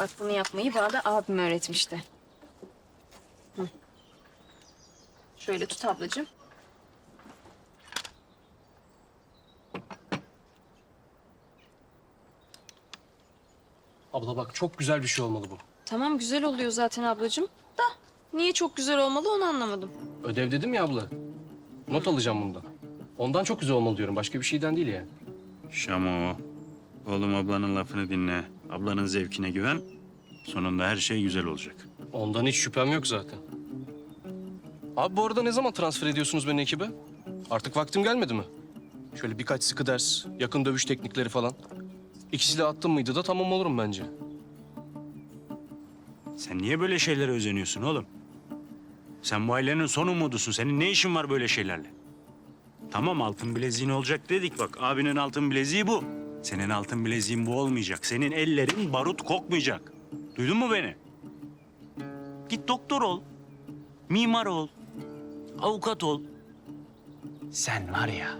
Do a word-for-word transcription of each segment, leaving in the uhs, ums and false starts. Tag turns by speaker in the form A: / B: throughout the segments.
A: Bak bunu yapmayı bana da abim öğretmişti. Hı. Şöyle tut ablacığım.
B: Abla bak çok güzel bir şey olmalı bu.
A: Tamam güzel oluyor zaten ablacığım. Da niye çok güzel olmalı onu anlamadım.
B: Ödev dedim ya abla. Not alacağım bundan. Ondan çok güzel olmalı diyorum. Başka bir şeyden değil yani.
C: Şamo, oğlum ablanın lafını dinle. Ablanın zevkine güven. Sonunda her şey güzel olacak.
B: Ondan hiç şüphem yok zaten. Abi bu arada ne zaman transfer ediyorsunuz beni ekibe? Artık vaktim gelmedi mi? Şöyle birkaç sıkı ders, yakın dövüş teknikleri falan. İkisiyle attım mıydı da tamam olurum bence.
C: Sen niye böyle şeylere özeniyorsun oğlum? Sen bu ailenin son umudusun. Senin ne işin var böyle şeylerle? Tamam altın bileziğin olacak dedik bak. Abinin altın bileziği bu. Senin altın bileziğin bu olmayacak. Senin ellerin barut kokmayacak. Duydun mu beni? Git doktor ol. Mimar ol. Avukat ol. Sen var ya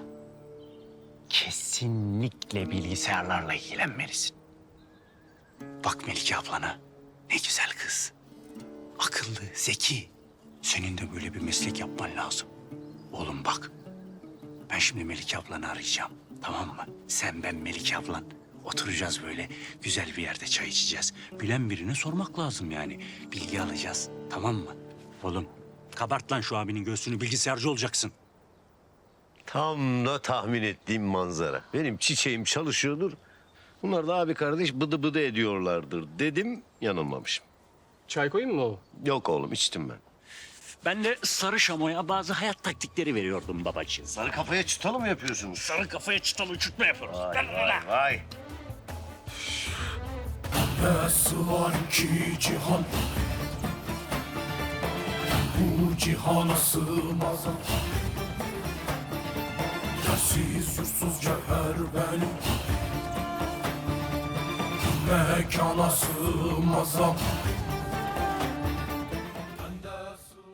C: kesinlikle bilgisayarlarla ilgilenmelisin. Bak Melike ablana. Ne güzel kız. Akıllı, zeki. Senin de böyle bir meslek yapman lazım. Oğlum bak. Ben şimdi Melike ablanı arayacağım. Tamam mı? Sen, ben, Melike ablan. Oturacağız böyle. Güzel bir yerde çay içeceğiz. Bilen birine sormak lazım yani. Bilgi alacağız. Tamam mı? Oğlum kabart lan şu abinin göğsünü. Bilgisayarcı olacaksın.
D: Tam da tahmin ettiğim manzara. Benim çiçeğim çalışıyordur. Bunlar da abi kardeş bıdı bıdı ediyorlardır dedim, yanılmamışım.
B: Çay koyayım mı baba?
D: Yok oğlum, içtim ben.
C: Ben de sarı şamoya bazı hayat taktikleri veriyordum babacığım.
D: Sarı kafaya çıtalı mı yapıyorsunuz?
C: Sarı kafaya çıtalı uçurtma yapıyoruz.
D: Vay vay vay.
E: Nasıl var ki cihan, bu cihana sığmaz. Yersiz yursuz cevher benim, mekana sığmaz.